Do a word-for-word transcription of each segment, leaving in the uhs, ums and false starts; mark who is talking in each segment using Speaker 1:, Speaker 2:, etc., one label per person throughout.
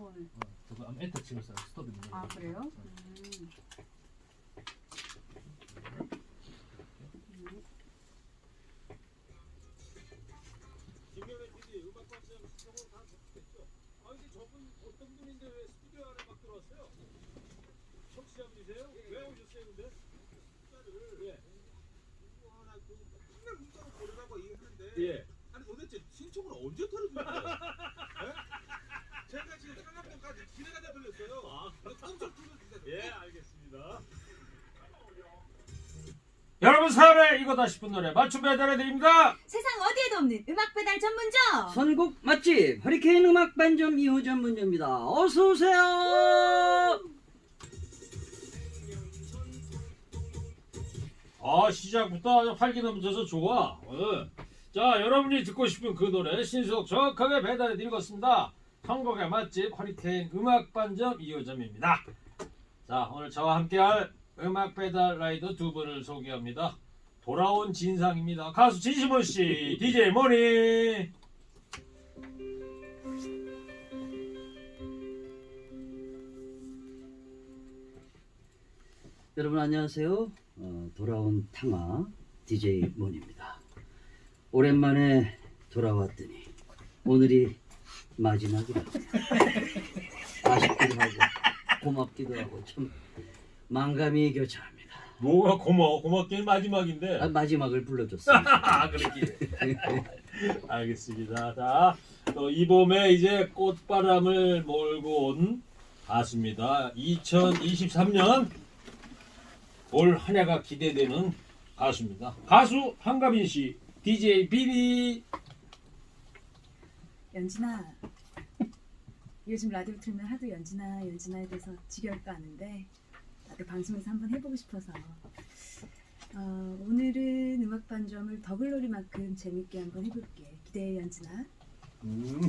Speaker 1: 네.
Speaker 2: 어, 저거 아마 엔터 치면서 스톱입니다.
Speaker 1: 아 그래요? 음.
Speaker 3: 김경래 피디 음악 방송 시청으로 다 접수됐죠? 아 근데 저분 어떤 분인데 왜 스튜디오 안에 막 들어왔어요? 청취자분이세요? 왜 오셨어요 근데? 숫자를 예. 이거 하나 그 맨날 문자로 보내라고 얘기하는데 예. 아니 도대체 신청을 언제 털어준 거예요? 예? 제가 지금 상암동까지 기내가 다 들렸어요. 아, 꼼짝 뚫어주세요. 예, 알겠습니다.
Speaker 2: 여러분 사연에 이거다 싶은 노래 맞춤 배달해드립니다.
Speaker 4: 세상 어디에도 없는 음악 배달 전문점.
Speaker 5: 선곡 맛집 허리케인 음악 반점 이호 전문점입니다. 어서 오세요.
Speaker 2: 아 시작부터 아주 활기 넘쳐서 좋아. 어. 자 여러분이 듣고 싶은 그 노래 신속 정확하게 배달해드리겠습니다. 선곡의 맛집 허리케인 음악 반점 이호 점입니다. 자 오늘 저와 함께할 음악 배달 라이더 두 분을 소개합니다. 돌아온 진상입니다. 가수 진심원 씨, 디제이 모니.
Speaker 5: 여러분 안녕하세요. 어, 돌아온 탕아 디제이 몬입니다. 오랜만에 돌아왔더니 오늘이 마지막이라 아쉽기도 하고 고맙기도 하고 참 망감이 교차합니다.
Speaker 2: 뭐가 고마워. 고맙긴 마지막인데.
Speaker 5: 아, 마지막을 불러줬습니다.
Speaker 2: 아 그렇게. 알겠습니다. 자, 또 이 봄에 이제 꽃바람을 몰고 온 가수입니다. 이천이십삼 년 올 한 해가 기대되는 가수입니다. 가수 한가빈 씨, 디제이 비비.
Speaker 4: 연진아, 요즘 라디오 틀면 하도 연진아 연진아에 대해서 지겨울까 하는데 나도 방송에서 한번 해보고 싶어서 어, 오늘은 음악 반점을 더글로리만큼 재밌게 한번 해볼게. 기대해 연진아.
Speaker 2: 음.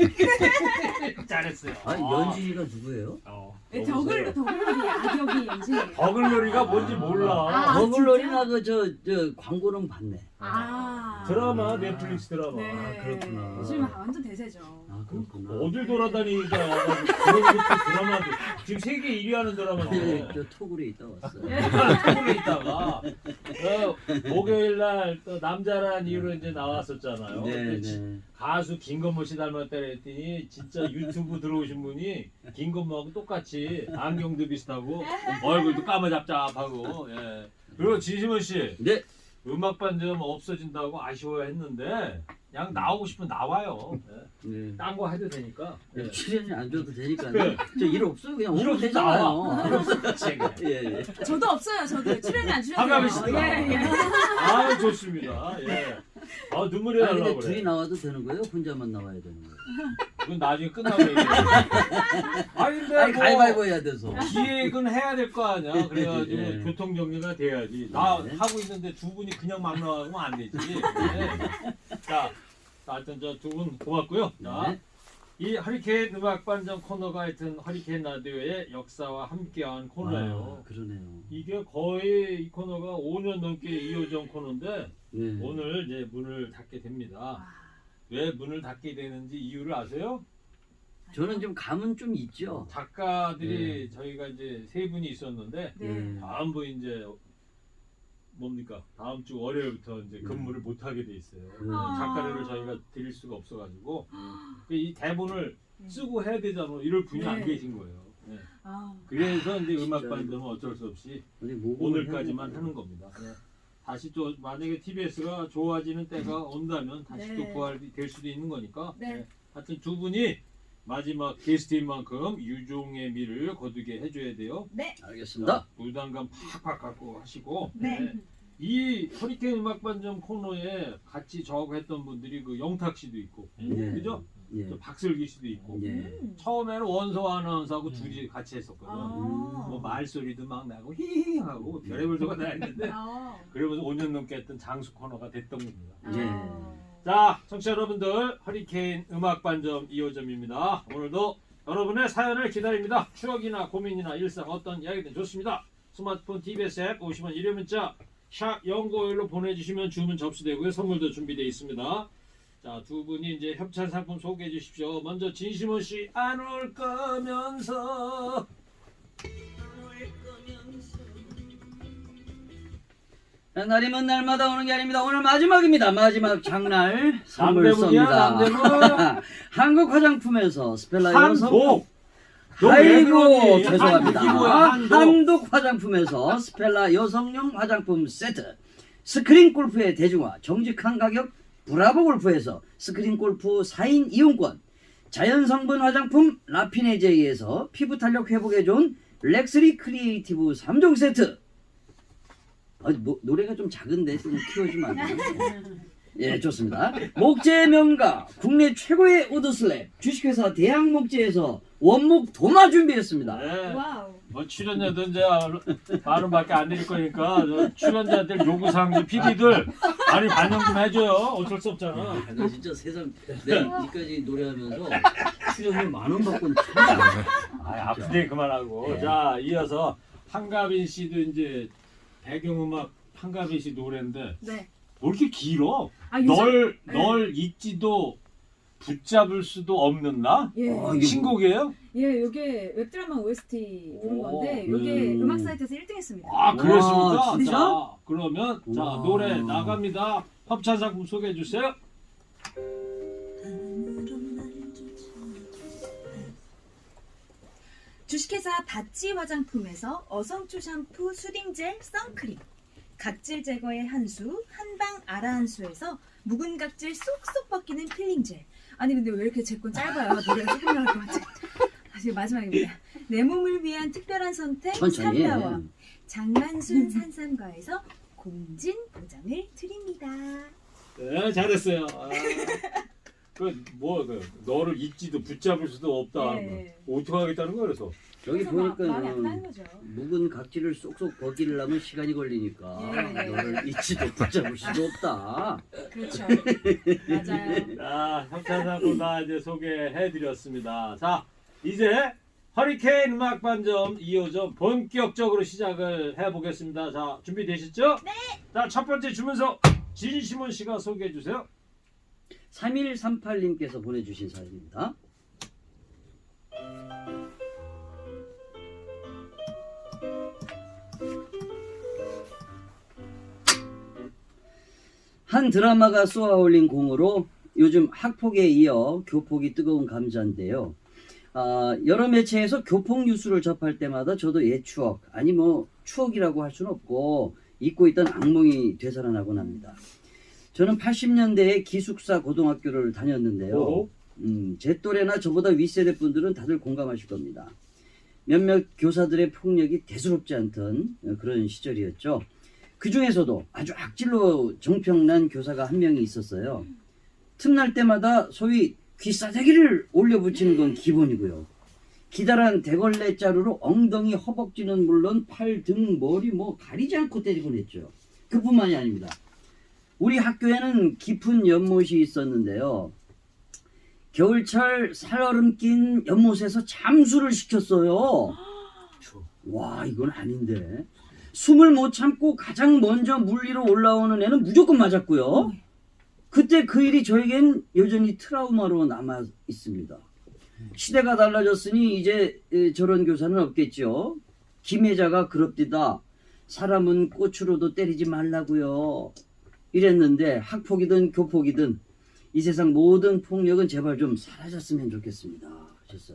Speaker 2: 잘했어요.
Speaker 5: 아, 연진이가 누구예요?
Speaker 2: 어,
Speaker 4: 네, 더글로 더글로리 악역이 연진이에요.
Speaker 2: 더글놀이가 뭔지 몰라.
Speaker 4: 아,
Speaker 5: 더글로리나 그 저 저 광고는 봤네.
Speaker 4: 아
Speaker 2: 드라마, 넷플릭스 드라마.
Speaker 4: 네.
Speaker 5: 아, 그렇구나.
Speaker 4: 요즘 완전 대세죠.
Speaker 5: 아 그렇구나.
Speaker 2: 어딜 돌아다니니까 그런 것도 드라마도 지금 세계 일 위 하는 드라마인데
Speaker 5: 저 토굴에 있다 왔어요.
Speaker 2: 한국에 있다가 어, 목요일 날 또 남자란 이유로 이제 나왔었잖아요.
Speaker 5: 네,
Speaker 2: 근데 지-
Speaker 5: 네.
Speaker 2: 가수 김건모 씨 닮았다 그랬더니 진짜 유튜브 들어오신 분이 김건모하고 똑같이 안경도 비슷하고 얼굴도 까마잡잡하고 예. 그리고 진심원 씨
Speaker 5: 네.
Speaker 2: 음악 반점 없어진다고 아쉬워했는데 그냥 나오고 싶으면 나와요. 예.
Speaker 5: 네.
Speaker 2: 딴 거 해도 되니까. 예.
Speaker 5: 출연이 안 줘도 되니까요.
Speaker 2: 그래.
Speaker 5: 저 일 없어요. 그냥
Speaker 2: 일
Speaker 5: 오면
Speaker 2: 없이
Speaker 5: 되잖아요.
Speaker 2: 나와. 일 없이 같이 해, 그냥.
Speaker 5: 예, 예.
Speaker 4: 저도 없어요. 저도 출연이 안
Speaker 2: 한가빈
Speaker 4: 출연해요.
Speaker 2: 씨도
Speaker 4: 예, 예.
Speaker 2: 아 좋습니다. 예. 아 눈물이
Speaker 5: 아니 근데
Speaker 2: 나려고
Speaker 5: 둘이
Speaker 2: 그래.
Speaker 5: 나와도 되는 거예요? 혼자만 나와야 되는 거예요?
Speaker 2: 그건 나중에 끝나고 얘기해. 아니 근데
Speaker 5: 아니
Speaker 2: 뭐
Speaker 5: 가위바위보 해야 돼서.
Speaker 2: 기획은 해야 될 거 아니야. 그래가지고
Speaker 5: 예.
Speaker 2: 교통 정리가 돼야지. 나
Speaker 5: 네.
Speaker 2: 하고 있는데 두 분이 그냥 막 나가면 안 되지. 네. 자, 하여튼 저 두 분 고맙고요. 자,
Speaker 5: 네.
Speaker 2: 이 허리케인 음악 반점 코너가 하여튼 허리케인 라디오의 역사와 함께한 코너예요.
Speaker 5: 아, 그러네요.
Speaker 2: 이게 거의 이 코너가 오 년 넘게 이어진 코너인데
Speaker 5: 네.
Speaker 2: 오늘 이제 문을 닫게 됩니다. 왜 문을 닫게 되는지 이유를 아세요?
Speaker 5: 저는 좀 감은 좀 있죠.
Speaker 2: 작가들이 저희가 이제 세 분이 있었는데
Speaker 4: 네.
Speaker 2: 다음 분 이제 뭡니까? 다음 주 월요일부터 이제
Speaker 5: 음.
Speaker 2: 근무를 못 하게 돼 있어요.
Speaker 5: 음.
Speaker 4: 아.
Speaker 2: 작가료를 저희가 드릴 수가 없어가지고 이 대본을
Speaker 4: 네.
Speaker 2: 쓰고 해야 되잖아. 이럴 분이 안
Speaker 4: 네.
Speaker 2: 계신 거예요. 네.
Speaker 4: 아,
Speaker 2: 그래서 이제
Speaker 5: 진짜
Speaker 2: 음악 반점은 어쩔 수 없이
Speaker 5: 아니, 뭐
Speaker 2: 오늘까지만 하는 겁니다. 네. 다시 또 만약에 티비에스가 좋아지는 때가 온다면 다시
Speaker 4: 네.
Speaker 2: 또 부활이 될 수도 있는 거니까.
Speaker 4: 네.
Speaker 2: 네. 하여튼 두 분이 마지막 게스트인 만큼 유종의 미를 거두게 해줘야 돼요.
Speaker 4: 네.
Speaker 5: 알겠습니다.
Speaker 2: 부담감 팍팍 갖고 하시고.
Speaker 4: 네.
Speaker 2: 이 허리케인 음악 반점 코너에 같이 저하고 했던 분들이 그 영탁 씨도 있고,
Speaker 5: 네.
Speaker 2: 그죠?
Speaker 5: 예.
Speaker 2: 또 박슬기 씨도 있고.
Speaker 5: 예.
Speaker 4: 음.
Speaker 2: 처음에는 원서 아나운서하고
Speaker 5: 음.
Speaker 2: 둘이 같이 했었거든.
Speaker 4: 아.
Speaker 2: 뭐 말소리도 막 나고 히히 하고 별의별 소가 다 했는데
Speaker 4: 아.
Speaker 2: 그러면서 오 년 넘게 했던 장수 코너가 됐던 겁니다.
Speaker 5: 예.
Speaker 4: 아.
Speaker 2: 자, 청취자 여러분들, 허리케인 음악 반점 이 호점입니다. 오늘도 여러분의 사연을 기다립니다. 추억이나 고민이나 일상 어떤 이야기든 좋습니다. 스마트폰 티비에스 앱 오십 원 유료 문자 샵 영구오일로 보내주시면 주문 접수되고요. 선물도 준비되어 있습니다. 자, 두 분이 이제 협찬 상품 소개해 주십시오. 먼저 진심원 씨 안 올 거면서.
Speaker 5: 날이 먼 날마다 오는 게 아닙니다. 오늘 마지막입니다. 마지막 장날 선물
Speaker 2: 남대문이야,
Speaker 5: 쏩니다.
Speaker 2: 남대문.
Speaker 5: 한국 화장품에서 스펠라 여성
Speaker 2: 한독. 너 왜
Speaker 5: 아이고
Speaker 2: 그러니?
Speaker 5: 죄송합니다.
Speaker 2: 한독이 뭐야, 한독.
Speaker 5: 한독 화장품에서 스펠라 여성용 화장품 세트, 스크린 골프의 대중화 정직한 가격 브라보 골프에서 스크린 골프 사 인 이용권, 자연 성분 화장품 라피네제이에서 피부 탄력 회복에 좋은 렉스리 크리에이티브 삼 종 세트. 아, 뭐, 노래가 좀 작은데 좀 키워주면 안 돼요? 예, 좋습니다. 목재 명가 국내 최고의 우드슬랩 주식회사 대학목재에서 원목 도마 준비했습니다.
Speaker 2: 네.
Speaker 4: 와우.
Speaker 2: 뭐 출연자들 이제 발음밖에 안 드릴 거니까 저 출연자들 요구사항 피디들 많이 반영 좀 해줘요. 어쩔 수 없잖아.
Speaker 5: 아, 나 진짜 세상 내가 이까지 노래하면서 출연료 만 원 받고는 참.
Speaker 2: 아, 아픈 얘기 그만하고.
Speaker 5: 네.
Speaker 2: 자, 이어서 한가빈 씨도 이제 배경음악 한가빈 씨 노래인데
Speaker 4: 네.
Speaker 2: 왜 이렇게 길어?
Speaker 4: 아, 요즘-
Speaker 2: 널,
Speaker 4: 네.
Speaker 2: 널 잊지도 붙잡을 수도 없는 나?
Speaker 4: 예.
Speaker 5: 어, 이게
Speaker 2: 신곡이에요?
Speaker 4: 예, 요게 웹드라마 오에스티 부른
Speaker 2: 오,
Speaker 4: 건데 요게
Speaker 5: 음.
Speaker 4: 음악 사이트에서 일 등 했습니다.
Speaker 2: 아, 그렇습니까?
Speaker 5: 진짜?
Speaker 2: 자, 그러면 자,
Speaker 5: 와.
Speaker 2: 노래 나갑니다. 협찬 상품 소개해 주세요.
Speaker 4: 주식회사 바찌 화장품에서 어성초 샴푸 수딩젤 선크림, 각질 제거의 한수 한방 아라한수에서 묵은 각질 쏙쏙 벗기는 필링젤. 아니 근데 왜 이렇게 제 건 짧아요? 노래가 조금 나올 것 같아. 아, 지금 마지막입니다. 내 몸을 위한 특별한 선택
Speaker 5: 천천히 해.
Speaker 4: 삼다원 장만순 산삼과에서 공진 보장을 드립니다.
Speaker 2: 네, 잘했어요. 아, 그뭐 그, 너를 잊지도 붙잡을 수도 없다.
Speaker 4: 네.
Speaker 2: 뭐, 어떻게 하겠다는 거야 그래서.
Speaker 5: 여기
Speaker 4: 그래서 마- 마음이
Speaker 5: 보니까
Speaker 4: 아프다는 거죠.
Speaker 5: 묵은 각질을 쏙쏙 벗기려면 시간이 걸리니까
Speaker 4: 예.
Speaker 5: 너를 잊지도 붙잡을 수도 없다.
Speaker 4: 그렇죠. 맞아요.
Speaker 2: 자, 협찬 상품 다 이제 소개해 드렸습니다. 자, 이제 허리케인 음악 반점 이 호점 본격적으로 시작을 해 보겠습니다. 자, 준비되셨죠? 네. 자, 첫 번째 주문서 진심원 씨가 소개해 주세요.
Speaker 5: 삼일삼팔님께서 보내주신 사연입니다. 한 드라마가 쏘아올린 공으로 요즘 학폭에 이어 교폭이 뜨거운 감자인데요. 아, 여러 매체에서 교폭 뉴스를 접할 때마다 저도 옛 추억, 아니 뭐 추억이라고 할 수는 없고 잊고 있던 악몽이 되살아나곤 합니다. 저는 팔십 년대에 기숙사 고등학교를 다녔는데요.
Speaker 2: 오호.
Speaker 5: 음, 제 또래나 저보다 윗세대 분들은 다들 공감하실 겁니다. 몇몇 교사들의 폭력이 대수롭지 않던 그런 시절이었죠. 그 중에서도 아주 악질로 정평난 교사가 한 명이 있었어요. 틈날 때마다 소위 귀싸대기를 올려붙이는 건 기본이고요. 기다란 대걸레 자루로 엉덩이, 허벅지는 물론 팔, 등, 머리 뭐 가리지 않고 때리곤 했죠. 그뿐만이 아닙니다. 우리 학교에는 깊은 연못이 있었는데요. 겨울철 살얼음 낀 연못에서 잠수를 시켰어요. 와, 이건 아닌데. 숨을 못 참고 가장 먼저 물 위로 올라오는 애는 무조건 맞았고요. 그때 그 일이 저에겐 여전히 트라우마로 남아 있습니다. 시대가 달라졌으니 이제 저런 교사는 없겠죠. 김혜자가 그럽디다. 사람은 꽃으로도 때리지 말라고요. 이랬는데 학폭이든 교폭이든 이 세상 모든 폭력은 제발 좀 사라졌으면 좋겠습니다. 하셨어요.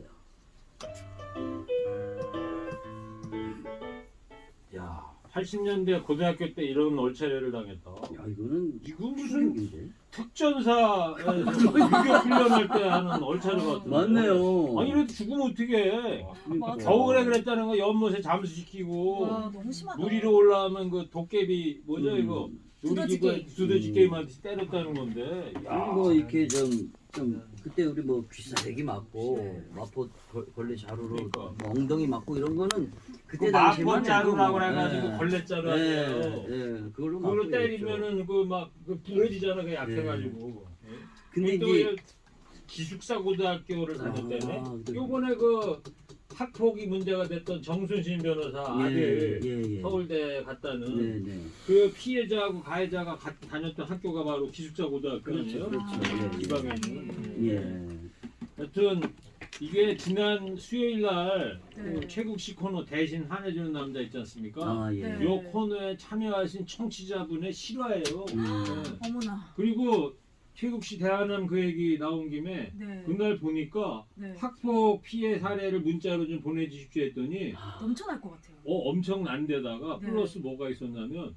Speaker 2: 야, 팔십 년대 고등학교 때 이런 얼차례를 당했다.
Speaker 5: 야, 이거는
Speaker 2: 이거 무슨
Speaker 5: 충격인데.
Speaker 2: 특전사에서 유교 훈련할 때 하는 얼차례 같은.
Speaker 5: 맞네요.
Speaker 2: 아니 이래도 죽으면 어떻게 해?
Speaker 5: 그러니까.
Speaker 2: 겨울에 그랬다는 거 연못에 잠수시키고
Speaker 4: 와 너무 심하다.
Speaker 2: 물 위로 올라오면 그 도깨비 뭐죠
Speaker 5: 음.
Speaker 2: 이거
Speaker 4: 두더지
Speaker 2: 놀이기구
Speaker 4: 게임.
Speaker 2: 두더지
Speaker 5: 음.
Speaker 2: 게임한테 때렸다는 건데. 야.
Speaker 5: 우리 뭐 이렇게 좀, 좀 그때 우리 뭐 귀싸대기 맞고
Speaker 4: 네.
Speaker 5: 마포 걸- 걸레 자루로
Speaker 2: 그러니까.
Speaker 5: 뭐 엉덩이 맞고 이런 거는
Speaker 2: 그
Speaker 5: 그때 당시에만
Speaker 2: 마포 자루라고
Speaker 5: 해도
Speaker 2: 해가지고
Speaker 5: 예.
Speaker 2: 걸레자루
Speaker 5: 예,
Speaker 2: 하네요.
Speaker 5: 예, 그걸로
Speaker 2: 그걸로
Speaker 5: 맞고
Speaker 2: 때리면은 그 막 그 부러지잖아 그 약해가지고. 예.
Speaker 5: 근데
Speaker 2: 또
Speaker 5: 이게
Speaker 2: 이 기숙사 고등학교를 다녔다네.
Speaker 5: 아, 네.
Speaker 2: 요번에 그 학폭이 문제가 됐던 정순신 변호사
Speaker 5: 예,
Speaker 2: 아들
Speaker 5: 예, 예.
Speaker 2: 서울대 갔다는
Speaker 5: 네, 네.
Speaker 2: 그 피해자하고 가해자가 가, 다녔던 학교가 바로 기숙사 고등학교
Speaker 5: 그렇죠,
Speaker 2: 아니에요?
Speaker 5: 그렇죠.
Speaker 2: 네,
Speaker 5: 예,
Speaker 2: 지방에
Speaker 5: 예.
Speaker 2: 있는.
Speaker 5: 예.
Speaker 2: 하여튼 이게 지난 수요일 날
Speaker 4: 네.
Speaker 2: 그 최국식 코너 대신 한해주는 남자 있지 않습니까?
Speaker 5: 아, 예.
Speaker 4: 네.
Speaker 2: 요 코너에 참여하신 청취자분의 실화예요.
Speaker 5: 음.
Speaker 2: 네.
Speaker 4: 어머나.
Speaker 2: 그리고 최국식 대한함 그 얘기 나온 김에
Speaker 4: 네.
Speaker 2: 그날 보니까
Speaker 4: 네.
Speaker 2: 학폭 피해 사례를 문자로 좀 보내주십시오 했더니
Speaker 4: 넘쳐날 것 같아요.
Speaker 2: 어 엄청난 데다가
Speaker 4: 네.
Speaker 2: 플러스 뭐가 있었냐면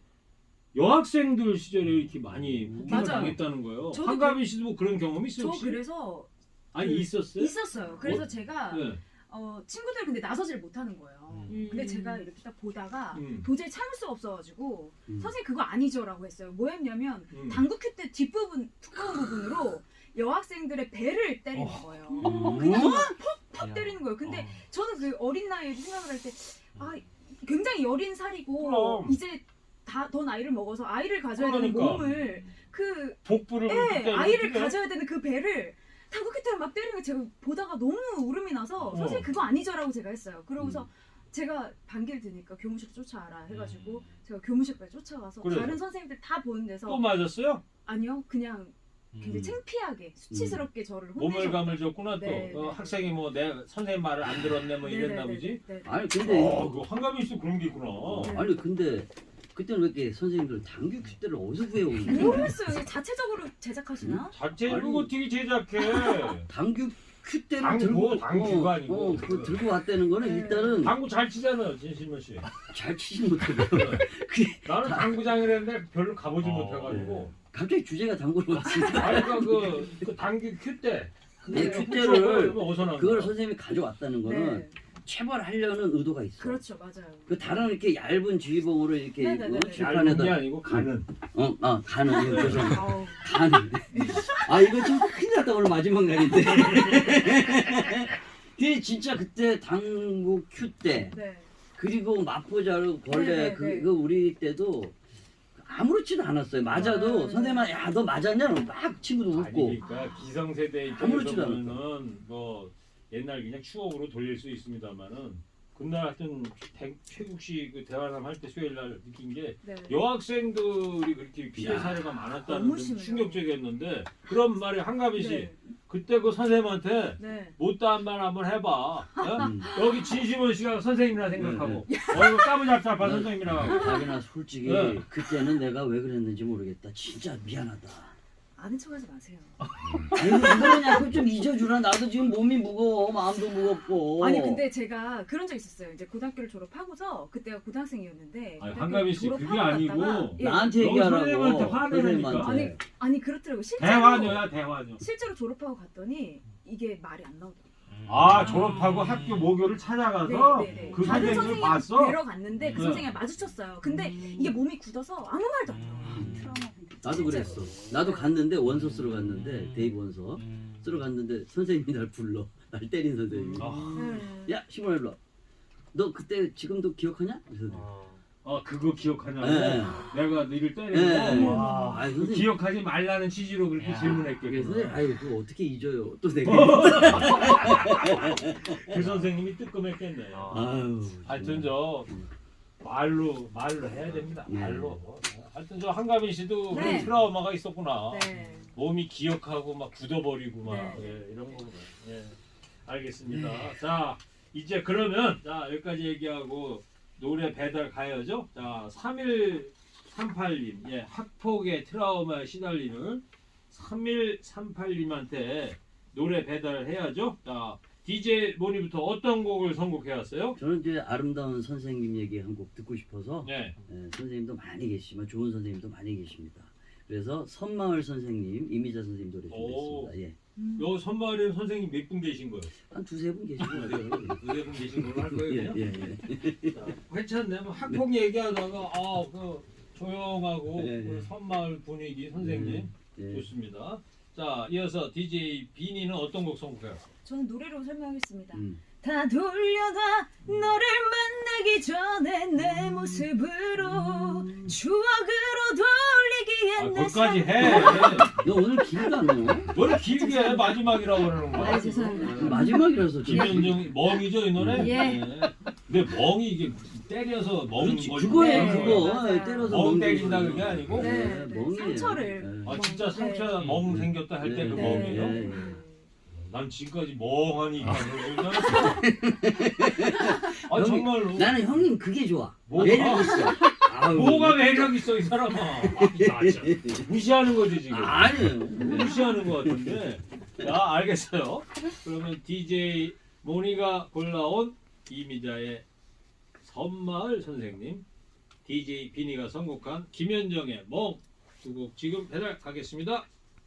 Speaker 2: 여학생들 시절에 이렇게 많이
Speaker 5: 음.
Speaker 2: 폭행을
Speaker 4: 맞아요.
Speaker 2: 당했다는 거예요.
Speaker 4: 저도
Speaker 2: 한가빈 씨도 뭐 그런 경험 있어요
Speaker 4: 저
Speaker 2: 혹시?
Speaker 4: 그래서
Speaker 2: 아니
Speaker 4: 그-
Speaker 2: 있었어요?
Speaker 4: 있었어요. 그래서
Speaker 2: 어?
Speaker 4: 제가
Speaker 2: 네.
Speaker 4: 어, 친구들 근데 나서질 못하는 거예요.
Speaker 2: 음.
Speaker 4: 근데 제가 이렇게 딱 보다가
Speaker 2: 음.
Speaker 4: 도저히 참을 수가 없어가지고
Speaker 5: 음.
Speaker 4: 선생님 그거 아니죠라고 했어요. 뭐 했냐면
Speaker 2: 음.
Speaker 4: 당구 큐 때 뒷부분 두꺼운 부분으로 여학생들의 배를 때리는
Speaker 2: 어.
Speaker 4: 거예요.
Speaker 5: 음.
Speaker 4: 그냥 퍽퍽 때리는 거예요. 근데 저는 그 어린 나이에 생각을 할 때 아, 굉장히 여린 살이고
Speaker 2: 그럼.
Speaker 4: 이제 다 더 나이를 먹어서 아이를 가져야 되는
Speaker 2: 그러니까.
Speaker 4: 몸을 그
Speaker 2: 복부를
Speaker 4: 예,
Speaker 2: 그렇게 때리면
Speaker 4: 아이를
Speaker 2: 어떡해?
Speaker 4: 가져야 되는 그 배를 당구 큐 때를 막 때리는 거 제가 보다가 너무 울음이 나서
Speaker 2: 어.
Speaker 4: 선생님 그거 아니죠라고 제가 했어요. 그러고서
Speaker 5: 음.
Speaker 4: 제가 반기를 드니까 교무실 쫓아와라 해가지고 제가 교무실까지 쫓아가서
Speaker 2: 그래요?
Speaker 4: 다른 선생님들 다 보는 데서
Speaker 2: 또 맞았어요?
Speaker 4: 아니요 그냥 굉장히
Speaker 5: 음.
Speaker 4: 창피하게 수치스럽게 저를
Speaker 2: 몸을
Speaker 4: 혼내셨다.
Speaker 2: 감을 줬구나 또.
Speaker 4: 네,
Speaker 2: 어,
Speaker 4: 네.
Speaker 2: 학생이 뭐 내 선생님 말을 안 들었네 뭐 이랬나
Speaker 4: 네네네네.
Speaker 2: 보지?
Speaker 4: 네.
Speaker 5: 아니 근데
Speaker 2: 어, 그 한가빈 씨도 그런 게 있구나.
Speaker 4: 네.
Speaker 5: 아니 근데 그때는 왜 이렇게 선생님들 당규 큐대를 어디서 구해오는 거야?
Speaker 4: 모르겠어요. 이게 자체적으로 제작하시나?
Speaker 2: 자체
Speaker 5: 아니.
Speaker 2: 이거 어떻게 제작해?
Speaker 5: 당규 큐대를
Speaker 2: 당구,
Speaker 5: 들고
Speaker 2: 당규가
Speaker 5: 어,
Speaker 2: 아니고.
Speaker 5: 어, 그 들고 왔다는 거는
Speaker 4: 네.
Speaker 5: 일단은
Speaker 2: 당구 잘 치잖아요, 진실만 씨.
Speaker 5: 잘 치지 못하고 그
Speaker 2: 나는 당구장을 했는데 별로 가보지
Speaker 1: 어,
Speaker 2: 못해가지고.
Speaker 5: 갑자기 주제가 당구로 왔으니까
Speaker 2: 아니 그러니까 그, 그 당구 큐대.
Speaker 5: 네,
Speaker 2: 그걸
Speaker 5: 큐대를
Speaker 2: 어디서 나온
Speaker 5: 그걸
Speaker 2: 거야?
Speaker 5: 선생님이 가져왔다는 거는
Speaker 4: 네.
Speaker 5: 체벌하려는 의도가 있어.
Speaker 4: 그렇죠, 맞아요.
Speaker 5: 그 다른 이렇게 얇은 지휘봉으로 이렇게
Speaker 4: 네네네네.
Speaker 5: 어,
Speaker 2: 얇은 게
Speaker 5: 칠판에다
Speaker 2: 아니고 가는.
Speaker 5: 어, 아 가는 이거 죄송합니다.
Speaker 4: 아우,
Speaker 5: 가는. 아 이거 좀 큰일 났다 오늘 마지막 날인데. 그게 진짜 그때 당구 큐 때
Speaker 4: 네.
Speaker 5: 그리고 마포자루 벌레
Speaker 4: 네네네.
Speaker 5: 그, 그 우리 때도 아무렇지도 않았어요. 맞아도
Speaker 4: 네.
Speaker 5: 선생님아 야너 맞았냐? 막 친구도
Speaker 2: 아니
Speaker 5: 웃고.
Speaker 2: 그러니까 기성세대 입장에서
Speaker 5: 아무렇지도
Speaker 2: 보면은 뭐 옛날 그냥 추억으로 돌릴 수 있습니다만은 그날 하여튼 대- 최국식 그 대화남 할 때 수요일 날 느낀 게
Speaker 4: 네.
Speaker 2: 여학생들이 그렇게 피해
Speaker 5: 야,
Speaker 2: 사례가 많았다는
Speaker 4: 너무
Speaker 2: 좀
Speaker 4: 심해요.
Speaker 2: 충격적이었는데 그런 말이 한가빈 씨
Speaker 4: 네.
Speaker 2: 그때 그 선생님한테
Speaker 4: 네.
Speaker 2: 못다한 말 한번 해봐. 어?
Speaker 5: 음.
Speaker 2: 여기 진심원 씨가 선생님이라 생각하고 어 이거 까무잡잡한
Speaker 5: 네.
Speaker 2: 선생님이라고.
Speaker 5: 자기나 솔직히
Speaker 2: 네.
Speaker 5: 그때는 내가 왜 그랬는지 모르겠다. 진짜 미안하다.
Speaker 4: 아는 척하지 마세요.
Speaker 5: 아니 왜 그러냐고 좀 잊어주라. 나도 지금 몸이 무거워, 마음도 무겁고.
Speaker 4: 아니 근데 제가 그런 적 있었어요. 이제 고등학교를 졸업하고서 그때가 고등학생이었는데
Speaker 2: 아니
Speaker 4: 고등학교
Speaker 2: 한가빈 씨 그게
Speaker 4: 졸업하고
Speaker 2: 아니고
Speaker 4: 갔다가, 예.
Speaker 5: 나한테
Speaker 2: 너무
Speaker 5: 얘기하라고.
Speaker 2: 선생님한테 화내라니까.
Speaker 5: 선생님한테.
Speaker 4: 아니 그렇더라고. 실제로
Speaker 2: 대화녀야 대화녀.
Speaker 4: 실제로 졸업하고 갔더니 이게 말이 안 나오더라고요.
Speaker 2: 아 졸업하고 학교 모교를 찾아가서
Speaker 4: 네, 네, 네.
Speaker 2: 그
Speaker 4: 다른
Speaker 2: 선생님을
Speaker 4: 선생님
Speaker 2: 봤어?
Speaker 4: 뵈러 갔는데 그
Speaker 2: 네.
Speaker 4: 선생님 마주쳤어요. 근데 이게 몸이 굳어서 아무 말도 안 나와요.
Speaker 1: 음.
Speaker 4: 트라우마.
Speaker 5: 나도
Speaker 4: 진짜로.
Speaker 5: 그랬어. 나도 갔는데 원서 쓰러 갔는데 데이브 원서 쓰러 갔는데 선생님이 날 불러. 날 때린 선생님이.
Speaker 4: 네.
Speaker 5: 야 시몬 일로 와. 너 그때 지금도 기억하냐? 그래서
Speaker 2: 어 그거 기억하냐고
Speaker 5: 네.
Speaker 2: 내가 너를 때리고
Speaker 5: 네.
Speaker 2: 와,
Speaker 5: 아이,
Speaker 2: 그
Speaker 5: 선생님.
Speaker 2: 기억하지 말라는 취지로 그렇게
Speaker 1: 야.
Speaker 5: 그래서
Speaker 2: 질문했겠구나.
Speaker 5: 아유 그거 어떻게 잊어요? 또 내가
Speaker 2: 그 선생님이 뜨끔했겠네.
Speaker 5: 아유
Speaker 2: 하여튼 저 말로 말로 해야 됩니다.
Speaker 5: 네.
Speaker 2: 말로. 하여튼 저 한가빈 씨도
Speaker 4: 네.
Speaker 2: 그런 트라우마가 있었구나.
Speaker 4: 네.
Speaker 2: 몸이 기억하고 막 굳어버리고 막
Speaker 4: 네.
Speaker 2: 예, 이런 거구나. 예. 알겠습니다. 자 이제 그러면 자 여기까지 얘기하고 노래 배달 가야죠. 자 삼일삼팔님 예 학폭의 트라우마에 시달리는 삼일삼팔님한테 노래 배달을 해야죠. 자 디제이 모니부터 어떤 곡을 선곡해 왔어요?
Speaker 5: 저는 이제 아름다운 선생님 얘기 한 곡 듣고 싶어서
Speaker 2: 네.
Speaker 5: 예, 선생님도 많이 계시지만 좋은 선생님도 많이 계십니다. 그래서 선마을 선생님, 이미자 선생님 노래
Speaker 2: 오.
Speaker 5: 준비했습니다. 예.
Speaker 4: 음.
Speaker 2: 여 선마을에 선생님 몇 분 계신 거예요?
Speaker 5: 한 두세 분 계시고
Speaker 2: 두세 분 계신 걸로 할 거예요.
Speaker 5: 예,
Speaker 2: 그냥?
Speaker 5: 예, 예.
Speaker 2: 자, 괜찮네. 뭐 학폭 얘기하다가 아그 조용하고
Speaker 5: 예, 예.
Speaker 2: 그 선마을 분위기 선생님
Speaker 5: 예.
Speaker 2: 좋습니다. 자, 이어서 디제이 비니는 어떤 곡 선곡해요?
Speaker 4: 저는 노래로 설명하겠습니다.
Speaker 5: 음.
Speaker 4: 다 돌려다 너를 만나기 전에 내 모습으로 추억으로
Speaker 2: 아,
Speaker 4: 돌리기엔 내
Speaker 2: 거기까지
Speaker 4: 삶-
Speaker 2: 해.
Speaker 5: 너 오늘 길도 안 나와?
Speaker 2: 뭘 길게 해. 마지막이라고 그러는 거야.
Speaker 4: 아, 죄송합니다.
Speaker 5: 마지막이라서 지금.
Speaker 2: 김현정 멍이죠 이 노래?
Speaker 4: 예.
Speaker 2: 네. 근데 멍이 이게 때려서 멍
Speaker 5: 그렇지,
Speaker 2: 거지.
Speaker 5: 그거예요
Speaker 4: 네,
Speaker 5: 그거.
Speaker 4: 맞아요.
Speaker 5: 때려서
Speaker 2: 멍
Speaker 5: 먹는
Speaker 2: 때린다
Speaker 5: 거예요.
Speaker 2: 그게 아니고?
Speaker 4: 네,
Speaker 5: 네,
Speaker 4: 네.
Speaker 5: 멍이에요.
Speaker 4: 상처를.
Speaker 5: 네.
Speaker 2: 아 진짜
Speaker 4: 네.
Speaker 2: 상처 멍 생겼다 할 때 그
Speaker 5: 네.
Speaker 2: 멍이에요?
Speaker 5: 네.
Speaker 2: 난 지금까지 멍하니 있다는 줄 아
Speaker 5: 형이-
Speaker 2: 정말로.
Speaker 5: 나는 형님 그게 좋아.
Speaker 2: 뭐가?
Speaker 5: 매력 있어. 아유.
Speaker 2: 뭐가 매력 있어 이 사람아. 아, 나 진짜. 무시하는 거지 지금.
Speaker 5: 아니에요.
Speaker 2: 무시하는 것 같은데. 자 알겠어요. 그러면 디제이 모니가 골라온 이미자의 섬마을 선생님, 디제이 비니가 선곡한 김현정의 멍 두 곡 지금 배달 가겠습니다.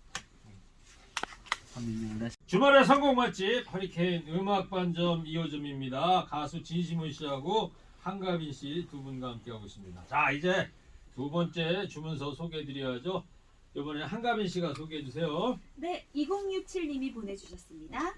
Speaker 2: 주말의 선곡 맛집 허리케인 음악반점 이 호점입니다. 가수 진시문 씨하고 한가빈 씨 두 분과 함께하고 있습니다. 자 이제 두 번째 주문서 소개해드려야죠. 이번에 한가빈 씨가 소개해 주세요.
Speaker 4: 네, 이공육칠 님이 보내주셨습니다.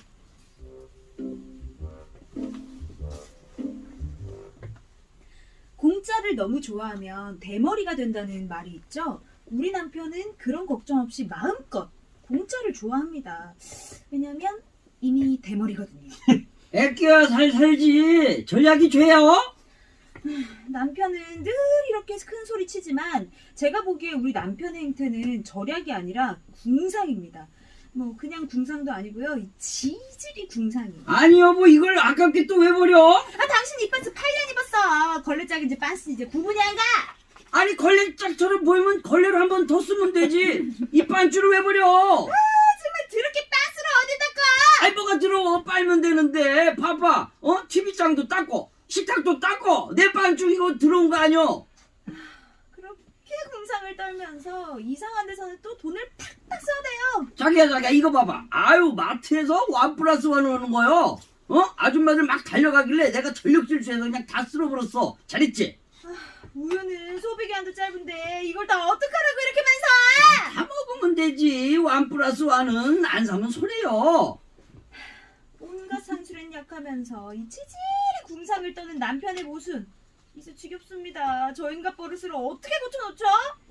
Speaker 4: 공짜를 너무 좋아하면 대머리가 된다는 말이 있죠. 우리 남편은 그런 걱정 없이 마음껏 공짜를 좋아합니다. 왜냐면 이미 대머리거든요.
Speaker 5: 애끼야 살 살지. 전략이 죄요?
Speaker 4: 남편은 늘 이렇게 큰 소리 치지만 제가 보기에 우리 남편의 행태는 절약이 아니라 궁상입니다. 뭐 그냥 궁상도 아니고요. 이 지질이 궁상이에요.
Speaker 5: 아니 여보 이걸 아깝게 또 왜 버려?
Speaker 4: 아 당신 이 반스 팔 년 입었어. 걸레짝인지 반스 이제 구분이 안 가.
Speaker 5: 아니 걸레짝처럼 보이면 걸레로 한 번 더 쓰면 되지. 이 반줄을 왜 버려?
Speaker 4: 정말 더럽게 반스를 어디다 가.
Speaker 5: 아이 뭐가 들어 빨면 되는데 봐봐. 어? 티비장도 닦고 식탁도 닦고 내 반줄 이거 들어온 거 아니여?
Speaker 4: 그렇게 궁상을 떨면서 이상한 데서는 또 돈을 팍팍 써야 돼요.
Speaker 5: 자기야 자기야 이거 봐봐. 아유 마트에서 원 플러스 원 오는 거요. 어? 아줌마들 막 달려가길래 내가 전력 질주해서 그냥 다 쓸어버렸어. 잘했지?
Speaker 4: 우유는 소비기한도 짧은데 이걸 다 어떡하라고 이렇게 많이 사.
Speaker 5: 다 먹으면 되지. 원 플러스 원은 안 사면 손해요.
Speaker 4: 온갖 산술엔 약하면서 이 치질이 궁상을 떠는 남편의 모습 이제 지겹습니다. 저 인간 버릇을 어떻게 고쳐놓죠?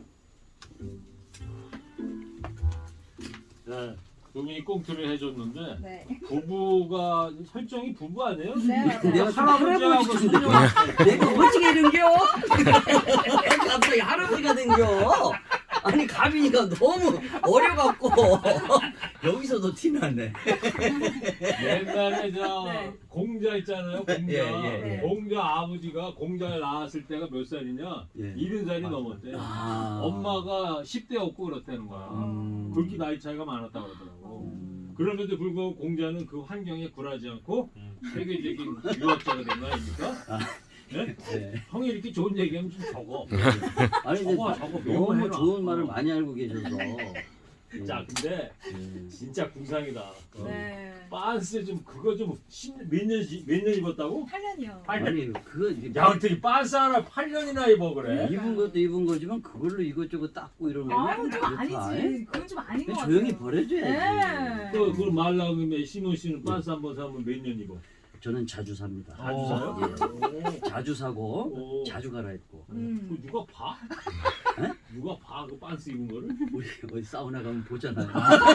Speaker 2: 네. 부인이 꽁트를 해줬는데
Speaker 4: 네.
Speaker 2: 부부가 설정이 부부 아니에요?
Speaker 4: 네, 맞아요.
Speaker 5: 내가
Speaker 2: 할아버지하고
Speaker 5: 할아버지
Speaker 2: 손녀.
Speaker 5: 내가 어떻게 된겨? 갑자기 할아버지가 된겨? 아니 가빈이가 너무 어려갖고 여기서도 티나네.
Speaker 2: 옛날에 저
Speaker 4: 네.
Speaker 2: 공자 있잖아요. 공자.
Speaker 5: 예, 예,
Speaker 4: 예.
Speaker 2: 공자 아버지가 공자를 낳았을 때가 몇 살이냐?
Speaker 5: 예.
Speaker 2: 일흔 살이 넘었대.
Speaker 5: 아.
Speaker 2: 엄마가 십 대였고 그렇다는 거야.
Speaker 5: 음.
Speaker 2: 그렇게 나이 차이가 많았다 그러더라고. 그럼에도 불구하고 공자는 그 환경에 굴하지 않고 세계적인 유학자가 된 거 아닙니까? 네?
Speaker 5: 네.
Speaker 2: 형이 이렇게 좋은 얘기하면 좀 적어.
Speaker 5: 아니 근데
Speaker 2: 저거, 저거
Speaker 5: 너무
Speaker 2: 명언해라.
Speaker 5: 좋은 말을
Speaker 2: 어.
Speaker 5: 많이 알고 계셔서.
Speaker 2: 자, 근데
Speaker 5: 예.
Speaker 2: 진짜 궁상이다. 어.
Speaker 4: 네.
Speaker 2: 빤스 좀 그거 좀몇년 몇 년 입었다고?
Speaker 4: 팔 년이요.
Speaker 2: 팔 년.
Speaker 5: 아니 그거 이제
Speaker 2: 야 어떻게 빤스 하나 팔 년이나 입어 그래?
Speaker 5: 입은 것도 입은 거지만 그걸로 이것저것 닦고 이러는 거
Speaker 4: 아유 좀 아니지. 그건 좀 아닌 것 같아요.
Speaker 5: 조용히 버려줘야지.
Speaker 4: 네.
Speaker 2: 그 그걸 말 나오면 시몬 씨는 빤스 한 번 사면 몇 년 입어?
Speaker 5: 저는 자주 삽니다.
Speaker 2: 자주 사요?
Speaker 5: 예. 자주 사고
Speaker 2: 오.
Speaker 5: 자주 갈아입고.
Speaker 4: 음.
Speaker 2: 그 누가 봐?
Speaker 5: 에?
Speaker 2: 누가 봐? 그 빤스 입은 거를?
Speaker 5: 우리 어디 사우나 가면 보잖아요.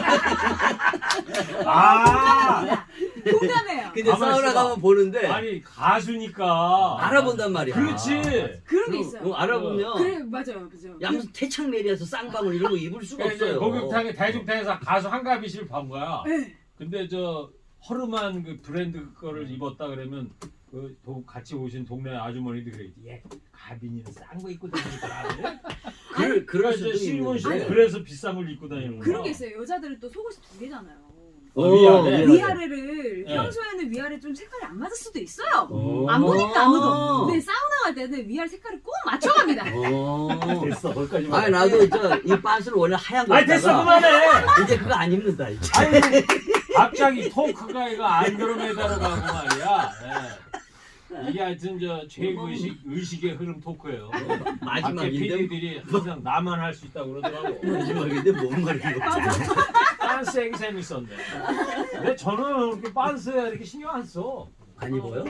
Speaker 2: 아,
Speaker 4: 공감해요.
Speaker 5: 근데
Speaker 2: 가만
Speaker 5: 사우나
Speaker 2: 있어봐.
Speaker 5: 가면 보는데
Speaker 2: 아니 가수니까
Speaker 5: 알아본단 말이야.
Speaker 2: 그렇지.
Speaker 4: 그런 게
Speaker 5: 어,
Speaker 4: 있어요.
Speaker 5: 어, 알아보면
Speaker 4: 그래 맞아요, 그죠.
Speaker 5: 야 무슨 태창메리에서 쌍방울 이런 거 입을 수가
Speaker 2: 그러니까 이제
Speaker 5: 없어요.
Speaker 2: 목욕탕에 대중탕에서 가수 한가비 씨를 본 거야.
Speaker 4: 네.
Speaker 2: 근데 저 허름한 그 브랜드 거를 입었다 그러면 그 도- 같이 오신 동네 아주머니도 그래. 얘 가빈이는 싼 거 입고 다니더라.
Speaker 5: 그, 그럴
Speaker 2: 그러니까
Speaker 5: 수도
Speaker 2: 이제 시몬 씨는
Speaker 5: 있는데.
Speaker 2: 그래서 비싼 걸 입고 다니는 거야.
Speaker 4: 그런 게 있어요. 여자들은 또 속옷이 두 개잖아요.
Speaker 2: 어, 위아래.
Speaker 4: 위아래를
Speaker 2: 네.
Speaker 4: 평소에는 위아래 좀 색깔이 안 맞을 수도 있어요.
Speaker 2: 어.
Speaker 4: 안 보니까 아무도. 근데 사우나 갈 때는 위아래 색깔을 꼭 맞춰갑니다.
Speaker 5: 어.
Speaker 2: 됐어 거기까지.
Speaker 5: 아니 나도 저이 빤스를 원래 하얀 거
Speaker 2: 아 됐어
Speaker 5: 입다가
Speaker 2: 그만해.
Speaker 5: 이제 그거 안 입는다 이제.
Speaker 2: 아니 갑자기 토크가 이거 안 들어매다로 가고 말이야. 예. 이게 하여튼 저 최의식 의식의 흐름 토크예요. 밖에
Speaker 5: 마지막인데
Speaker 2: 피디들이 항상 나만 할 수 있다고 그러더라고.
Speaker 5: 마지막인데 뭔 말이야?
Speaker 2: 빤스하기 재밌었는데. 근데 저는 그렇게 빤스에 이렇게 신경 안 써.
Speaker 5: 안 입어요?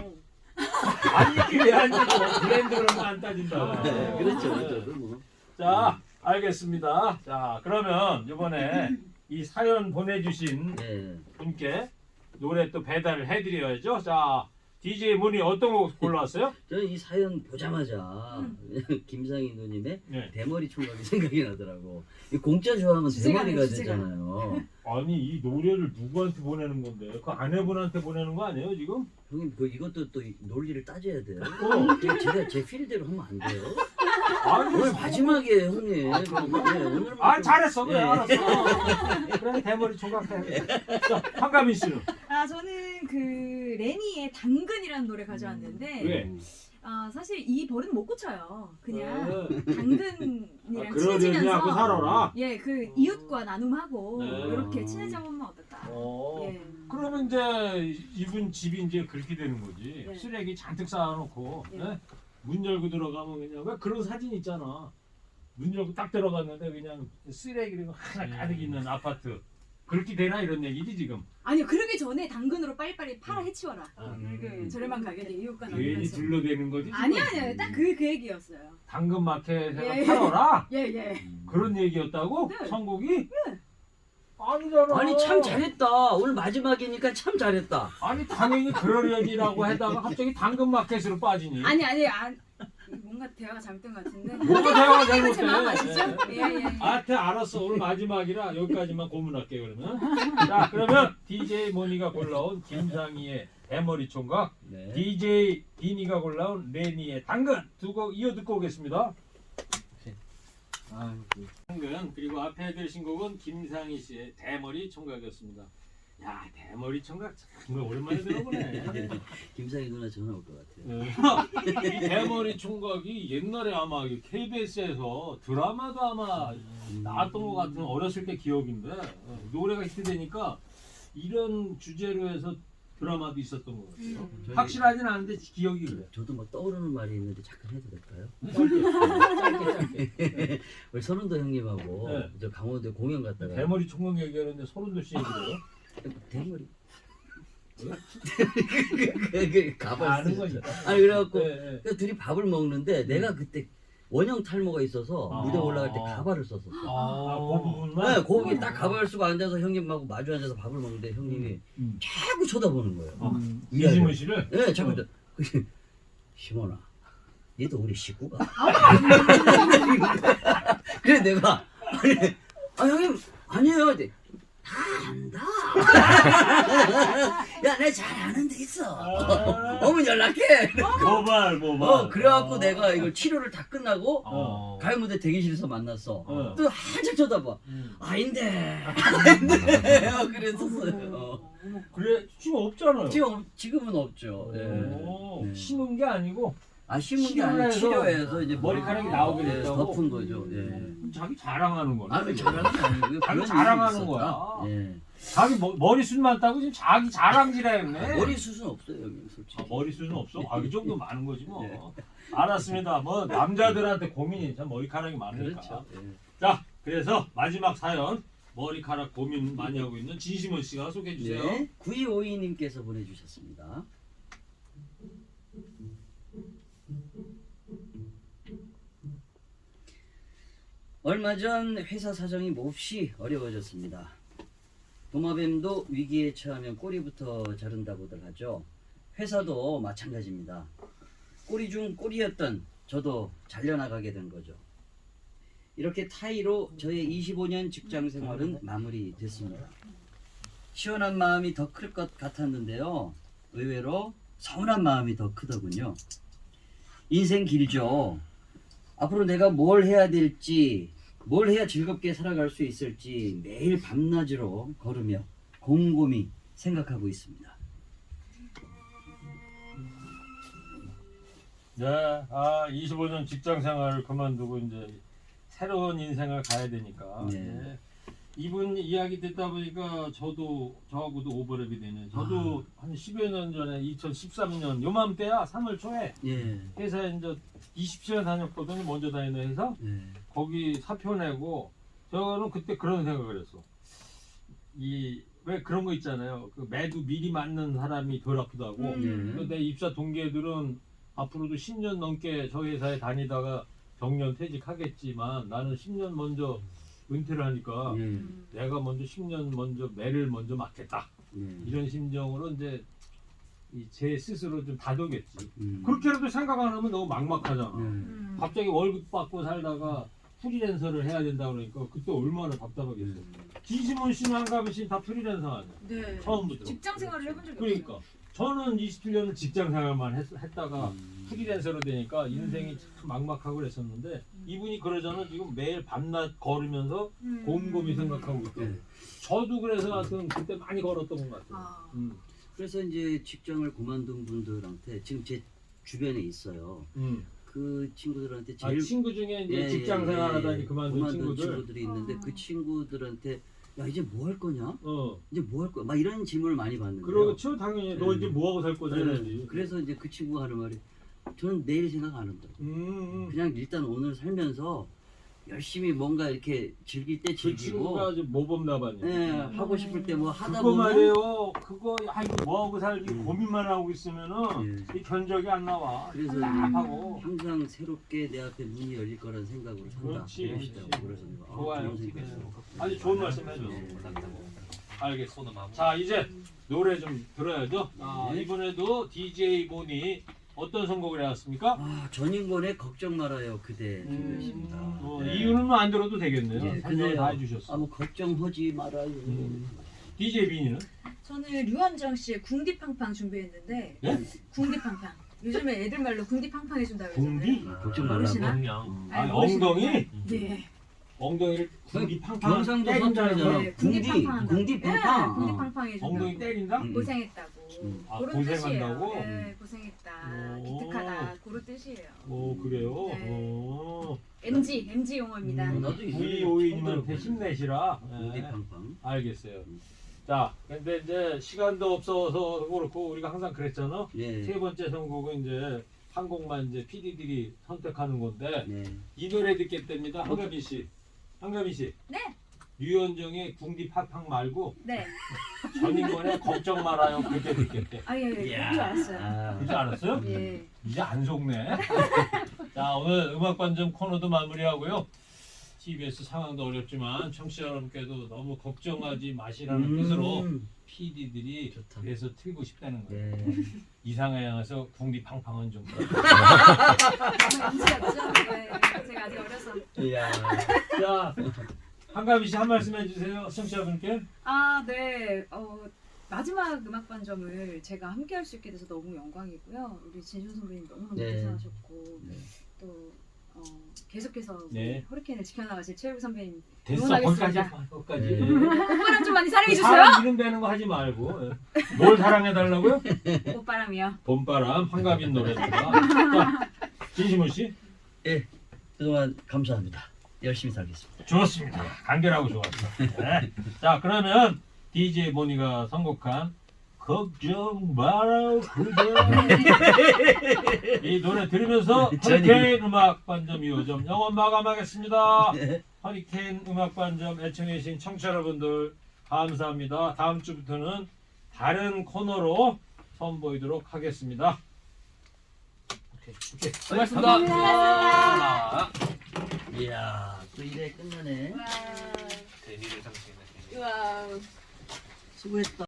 Speaker 2: 안 입기 왜안 입어? 브랜드 그런 거 안 따진다.
Speaker 5: 네, 그렇죠, 그렇죠. 뭐.
Speaker 2: 자, 알겠습니다. 자, 그러면 이번에 이 사연 보내주신
Speaker 5: 네.
Speaker 2: 분께 노래 또 배달을 해드려야죠. 자, 디제이 문이 어떤 거 골라왔어요?
Speaker 5: 저는 이 사연 보자마자 김상희 누님의
Speaker 2: 네.
Speaker 5: 대머리 총각이 생각이 나더라고. 이 공짜 좋아하면
Speaker 4: 주제가
Speaker 5: 대머리가
Speaker 4: 아니에요, 주제가.
Speaker 5: 되잖아요.
Speaker 2: 아니 이 노래를 누구한테 보내는 건데? 그 아내분한테 보내는 거 아니에요 지금?
Speaker 5: 형님 그 이것도 또 이 논리를 따져야 돼요.
Speaker 2: 어.
Speaker 5: 제가 제가 제 필대로 하면 안 돼요.
Speaker 2: 아니,
Speaker 5: 오늘 마지막이에요, 형님. 네, 오늘
Speaker 2: 아 잘했어 그래
Speaker 5: 네.
Speaker 2: 알았어. 그래 대머리 총각해. 자 한가민 씨는
Speaker 4: 아 저는 그 레니의 당근이라는 노래 가져왔는데
Speaker 2: 왜?
Speaker 4: 아 사실 이 버릇 못 고쳐요. 그냥
Speaker 2: 어.
Speaker 4: 당근이랑
Speaker 2: 아, 그러려니
Speaker 4: 친해지면서
Speaker 2: 하고 살아라.
Speaker 4: 예 그 이웃과 나눔하고
Speaker 2: 네.
Speaker 4: 이렇게 친해져 보면 어떨까?
Speaker 2: 어.
Speaker 4: 예.
Speaker 2: 그러면 이제 이분 집이 이제 그렇게 되는 거지.
Speaker 4: 네.
Speaker 2: 쓰레기 잔뜩 쌓아놓고
Speaker 4: 네.
Speaker 2: 네? 문 열고 들어가면 그냥 왜 그런 사진 있잖아. 문 열고 딱 들어갔는데 그냥 쓰레기가 하나 가득 있는 아파트. 그렇게 되나 이런 얘기지 지금.
Speaker 4: 아니요 그러기 전에 당근으로 빨리빨리 팔아 해치워라.
Speaker 2: 음.
Speaker 4: 그 저렴한 가격에 이웃과
Speaker 2: 괜히
Speaker 4: 나누면서.
Speaker 2: 둘러대는 거지. 지금?
Speaker 4: 아니 아니요 딱 그 그 얘기였어요.
Speaker 2: 당근 마켓에서
Speaker 4: 예.
Speaker 2: 팔아라.
Speaker 4: 예 예.
Speaker 2: 그런 얘기였다고?
Speaker 4: 네.
Speaker 2: 선곡이? 아니잖아.
Speaker 5: 아니 참 잘했다. 오늘 마지막이니까 참 잘했다.
Speaker 2: 아니 당연히 그러려니라고 하다가 갑자기 당근 마켓으로 빠지니.
Speaker 4: 아니 아니 안 뭔가 대화가 잘못된 것 같은데.
Speaker 2: 뭐가 대화가
Speaker 4: 제
Speaker 2: 잘못돼?
Speaker 4: 마음 아시죠?
Speaker 2: 예.
Speaker 4: 예예. 예.
Speaker 2: 아태 알았어. 오늘 마지막이라 여기까지만 고문할게 그러면. 자 그러면 디제이 모니가 골라온 김상희의 대머리 총각,
Speaker 5: 네.
Speaker 2: 디제이 디니가 골라온 레니의 당근 두 곡 이어 듣고 오겠습니다. 당근 그리고 앞에 들으신 곡은 김상희 씨의 대머리 총각이었습니다. 야 대머리 총각 정말 오랜만에 들어보네.
Speaker 5: 김상희 누나 전화 올 것 같아요.
Speaker 2: 이 대머리 총각이 옛날에 아마 케이비에스에서 드라마도 아마 나왔던 것 같은 어렸을 때 기억인데 어, 노래가 히트되니까 이런 주제로 해서 드라마도 있었던 것 같아요.
Speaker 4: 음.
Speaker 5: 저기-
Speaker 2: 확실하진 않은데 기억이 그래.
Speaker 5: 저도 뭐 떠오르는 말이 있는데 잠깐 해도 될까요?
Speaker 2: 짧게 짧게 짧게.
Speaker 5: 우리 선운도 형님하고
Speaker 2: 네.
Speaker 5: 저 강원도에 공연 갔다가
Speaker 2: 대머리 총각 얘기하는데 소름도 씨 얘기해요.
Speaker 5: 대머리 그, 그 가발
Speaker 2: 아는
Speaker 5: 쓰
Speaker 2: 거죠.
Speaker 5: 아니 그래갖고
Speaker 2: 네, 네.
Speaker 5: 그 둘이 밥을 먹는데 내가 그때 원형 탈모가 있어서
Speaker 2: 아.
Speaker 5: 무대 올라갈 때 가발을 썼었어.
Speaker 2: 아, 그 부분만.
Speaker 5: 네, 거기 딱 가발 쓰고 앉아서 형님하고 마주 앉아서 밥을 먹는데 형님이
Speaker 2: 음.
Speaker 5: 자꾸 쳐다보는 거예요.
Speaker 2: 어.
Speaker 5: 위아래로.
Speaker 2: 이지문 씨를.
Speaker 5: 네, 자꾸
Speaker 2: 어.
Speaker 5: 저- 시몬아, 얘도 우리 식구가. 그래 내가 아니, 아 형님 아니에요. 이제, 다 안다. 야, 내 잘 아는 데 있어.
Speaker 2: 아.
Speaker 5: 어머니 연락해.
Speaker 2: 모발 모발.
Speaker 5: 어, 그래갖고 내가 이걸 치료를 다 끝나고
Speaker 2: 어.
Speaker 5: 가요 무대 대기실에서 만났어.
Speaker 2: 어.
Speaker 5: 또 한참 쳐다봐.
Speaker 2: 음.
Speaker 5: 아닌데. 아닌데. 어, 그랬었어요. 어.
Speaker 2: 그래 지금 없잖아요.
Speaker 5: 지금 지금은 없죠. 네.
Speaker 2: 오,
Speaker 5: 네.
Speaker 2: 심은 게 아니고
Speaker 5: 아 심은 게
Speaker 2: 치료를
Speaker 5: 아니라
Speaker 2: 해서
Speaker 5: 치료해서 이제
Speaker 2: 머리카락이
Speaker 5: 머리-
Speaker 2: 나오게
Speaker 5: 네,
Speaker 2: 됐다고?
Speaker 5: 덮은 거죠. 예.
Speaker 2: 자기 자랑하는 거네.
Speaker 5: 아, 자랑은 아니고요.
Speaker 2: 자기
Speaker 5: 그런
Speaker 2: 자랑하는
Speaker 5: 일이
Speaker 2: 거야.
Speaker 5: 있었다. 예.
Speaker 2: 자기 머, 머리숱만 따고 지금 자기 자랑질했네.
Speaker 5: 머리 숱은 없어요, 형님 솔직히.
Speaker 2: 아, 머리숱은 없어? 아, 이 정도 많은 거지 뭐.
Speaker 5: 예.
Speaker 2: 알았습니다. 뭐 남자들한테 고민이 참 머리카락이 많으니까.
Speaker 5: 그렇죠. 예.
Speaker 2: 자, 그래서 마지막 사연 머리카락 고민 많이 하고 있는 진심원 씨가 소개해 주세요.
Speaker 5: 네. 구이오이 님께서 보내주셨습니다. 얼마 전 회사 사정이 몹시 어려워졌습니다. 도마뱀도 위기에 처하면 꼬리부터 자른다고들 하죠. 회사도 마찬가지입니다. 꼬리 중 꼬리였던 저도 잘려나가게 된 거죠. 이렇게 타이로 저의 이십오 년 직장 생활은 마무리됐습니다. 시원한 마음이 더 클 것 같았는데요. 의외로 서운한 마음이 더 크더군요. 인생 길죠. 앞으로 내가 뭘 해야 될지, 뭘 해야 즐겁게 살아갈 수 있을지 매일 밤낮으로 걸으며 곰곰이 생각하고 있습니다.
Speaker 2: 네, 아 이십오 년 직장 생활을 그만두고 이제 새로운 인생을 가야 되니까
Speaker 5: 네.
Speaker 2: 네. 이분 이야기 듣다 보니까 저도 저하고도 오버랩이 되네. 저도 한 십여 년 전에 이천십삼 년 요맘때야 삼월 초에
Speaker 5: 예.
Speaker 2: 회사에 이제 이십칠 년 다녔거든요. 먼저 다니는 회사.
Speaker 5: 예.
Speaker 2: 거기 사표 내고 저는 그때 그런 생각을 했어. 이 왜 그런 거 있잖아요. 그 매도 미리 맞는 사람이 덜 아프다고.
Speaker 4: 음.
Speaker 2: 근데 내 입사 동기들은 앞으로도 십 년 넘게 저 회사에 다니다가 정년 퇴직하겠지만 나는 십 년 먼저 은퇴를 하니까
Speaker 5: 예.
Speaker 4: 음.
Speaker 2: 내가 먼저 십 년 먼저 매를 먼저 맞겠다.
Speaker 5: 예.
Speaker 2: 이런 심정으로 이제 이 제 스스로 좀 다독였지.
Speaker 5: 음.
Speaker 2: 그렇게라도 생각 안 하면 너무 막막하잖아.
Speaker 5: 예.
Speaker 4: 음.
Speaker 2: 갑자기 월급 받고 살다가 프리랜서를 해야 된다 그러니까 그때 얼마나 답답하겠어. 지지몬 씨는 한가빈 씨는 다 프리랜서 아니야.
Speaker 4: 네.
Speaker 2: 처음부터.
Speaker 4: 직장 생활을 해본 적이
Speaker 2: 그러니까 저는 이십칠 년을 직장 생활만 했, 했다가
Speaker 5: 음.
Speaker 2: 프리랜서로 되니까 인생이 참 막막하고 그랬었는데 이분이 그러잖아. 지금 매일 밤낮 걸으면서
Speaker 4: 음.
Speaker 2: 곰곰이 생각하고 있고
Speaker 5: 예.
Speaker 2: 저도 그래서 하여튼 그때 많이 걸었던 것 같아요.
Speaker 4: 아.
Speaker 2: 음.
Speaker 5: 그래서 이제 직장을 그만둔 분들한테 지금 제 주변에 있어요.
Speaker 2: 음.
Speaker 5: 그 친구들한테
Speaker 2: 아,
Speaker 5: 제일
Speaker 2: 친구 중에 이제
Speaker 5: 예,
Speaker 2: 직장
Speaker 5: 예,
Speaker 2: 생활하다니
Speaker 5: 예,
Speaker 2: 그만둔 친구들.
Speaker 5: 친구들이 있는데
Speaker 4: 어.
Speaker 5: 그 친구들한테 야 이제 뭐 할 거냐?
Speaker 2: 어.
Speaker 5: 이제 뭐 할 거야? 막 이런 질문을 많이 받는데요.
Speaker 2: 그렇죠. 당연히 너
Speaker 5: 예.
Speaker 2: 이제 뭐 하고 살 거냐
Speaker 5: 네.
Speaker 2: 이러지.
Speaker 5: 그래서 이제 그 친구가 하는 말이 저는 내일 생각 안 한다.
Speaker 2: 음, 음.
Speaker 5: 그냥 일단 오늘 살면서 열심히 뭔가 이렇게 즐길 때
Speaker 2: 그
Speaker 5: 즐기고
Speaker 2: 친구가 이제 모범나반이야.
Speaker 5: 예, 하고 싶을 때 뭐 하다
Speaker 2: 그거
Speaker 5: 보면
Speaker 2: 말이에요. 그거 아 이거 뭐 하고 살기
Speaker 5: 음.
Speaker 2: 고민만 하고 있으면은
Speaker 5: 예.
Speaker 2: 이 견적이 안 나와.
Speaker 5: 그래서
Speaker 2: 답답하고.
Speaker 5: 항상 새롭게 내 앞에 문이 열릴 거라는 생각으로 산다.
Speaker 2: 그렇지,
Speaker 5: 그러시더라고요.
Speaker 2: 그렇지.
Speaker 5: 그래서 내가, 아,
Speaker 2: 좋아요.
Speaker 5: 좋은 생각이었어.
Speaker 2: 아주 좋은 말씀 해줬어.
Speaker 5: 예.
Speaker 2: 알겠어. 자 이제 노래 좀 들어야죠. 아,
Speaker 5: 네.
Speaker 2: 이번에도 디제이 모니 어떤 선곡을 해왔습니까?
Speaker 5: 아, 전인권의 걱정 말아요 그대 준비했습니다.
Speaker 2: 음, 어,
Speaker 5: 네.
Speaker 2: 이유는 안 들어도 되겠네요.
Speaker 5: 예,
Speaker 2: 설명을
Speaker 5: 근데요.
Speaker 2: 다 해주셨어.
Speaker 5: 아, 뭐 걱정하지 말아요.
Speaker 2: 음. 디제이 비니는?
Speaker 4: 저는 류원정 씨의 궁디팡팡 준비했는데
Speaker 2: 예?
Speaker 4: 궁디팡팡. 요즘에 애들 말로 궁디팡팡 해준다고
Speaker 2: 궁디?
Speaker 4: 그러잖아요.
Speaker 5: 걱정
Speaker 4: 모르시나?
Speaker 5: 말라고.
Speaker 2: 음.
Speaker 4: 아니,
Speaker 2: 아,
Speaker 4: 모르시는데.
Speaker 2: 엉덩이?
Speaker 4: 네.
Speaker 2: 엉덩이를 궁디 팡팡
Speaker 5: 경상도
Speaker 2: 때린다는
Speaker 5: 사투리잖아.
Speaker 2: 거야?
Speaker 4: 네,
Speaker 5: 궁디,
Speaker 4: 궁디팡팡 한다고.
Speaker 5: 궁디팡팡.
Speaker 4: 네, 궁디팡팡 해준다고.
Speaker 2: 엉덩이 때린다?
Speaker 5: 음.
Speaker 4: 고생했다고.
Speaker 5: 음.
Speaker 2: 아,
Speaker 4: 그런
Speaker 2: 고생한다고?
Speaker 4: 뜻이에요. 네, 고생했다.
Speaker 2: 오.
Speaker 4: 기특하다. 그런 뜻이에요.
Speaker 2: 오 그래요?
Speaker 4: 네.
Speaker 2: 오.
Speaker 4: 엠지, 엠지 용어입니다.
Speaker 2: 음,
Speaker 5: 나도 이거
Speaker 2: 브이오이님한테
Speaker 5: 처음
Speaker 2: 힘내시라. 네.
Speaker 5: 궁디팡팡.
Speaker 2: 알겠어요.
Speaker 5: 음.
Speaker 2: 자, 근데 이제 시간도 없어서 그렇고 우리가 항상 그랬잖아.
Speaker 5: 예.
Speaker 2: 세 번째 선곡은 이제 한 곡만 이제 피디들이 선택하는 건데
Speaker 5: 네.
Speaker 2: 이 노래 듣겠답니다. 한가빈 씨, 한가빈 씨.
Speaker 4: 네.
Speaker 2: 류현정의 궁디 팡팡 말고
Speaker 4: 네.
Speaker 2: 전인권의 걱정 말아요 그때 듣겠대.
Speaker 4: 아, 예, 예.
Speaker 5: 이야.
Speaker 4: 그줄 알았어요.
Speaker 5: 아.
Speaker 2: 그지 않았어요?
Speaker 4: 예.
Speaker 2: 이제 안 속네. 자 오늘 음악반점 코너도 마무리하고요. 티비에스 상황도 어렵지만 청취자 여러분께도 너무 걱정하지 마시라는
Speaker 5: 음.
Speaker 2: 뜻으로 피디들이
Speaker 5: 좋다.
Speaker 2: 그래서 틀고 싶다는 거예요.
Speaker 5: 네.
Speaker 2: 이상하게 향해서 궁디 팡팡은 좀 그렇고.
Speaker 4: 엠지 같죠? 네. 제가 아직 어려서.
Speaker 5: 이야.
Speaker 2: 자 한가비 씨 한 말씀 해주세요. 청취자분께.
Speaker 4: 아, 네. 어, 마지막 음악 반점을 제가 함께 할 수 있게 돼서 너무 영광이고요. 우리 진준 선배님 너무너무
Speaker 5: 네.
Speaker 4: 고생하셨고
Speaker 5: 네.
Speaker 4: 또 어, 계속해서 우리
Speaker 2: 네.
Speaker 4: 허리케인을 지켜나가실 최일구 선배님
Speaker 2: 됐어 거기까지.
Speaker 4: 응원하겠습니다.
Speaker 2: 거기까지.
Speaker 5: 네.
Speaker 4: 오빠랑 좀 많이 사랑해 주세요.
Speaker 2: 사람 이름 되는 거 하지 말고. 뭘 사랑해달라고요?
Speaker 4: 오빠랑이요.
Speaker 2: 봄바람 한가빈 노래입니다. 자, 진심훈 씨.
Speaker 5: 예. 그동안 감사합니다. 열심히 살겠습니다.
Speaker 2: 좋습니다. 간결하고 좋았어. 네. 자 그러면 디제이 모니가 선곡한 걱정 마라 그대 이 노래 들으면서 허리케인 음악 반점 이 호점 영원 마감하겠습니다.
Speaker 5: 네.
Speaker 2: 허리케인 음악 반점 애청해주신 청취자 여러분들 감사합니다. 다음 주부터는 다른 코너로 선보이도록 하겠습니다. 오케이, 오케이.
Speaker 1: 수고하셨습니다.
Speaker 4: 수고하셨습니다.
Speaker 5: 이야, 또 이래 끝나네.
Speaker 4: 와.
Speaker 1: 대리를 상징했네.
Speaker 4: 우와.
Speaker 5: 수고했다.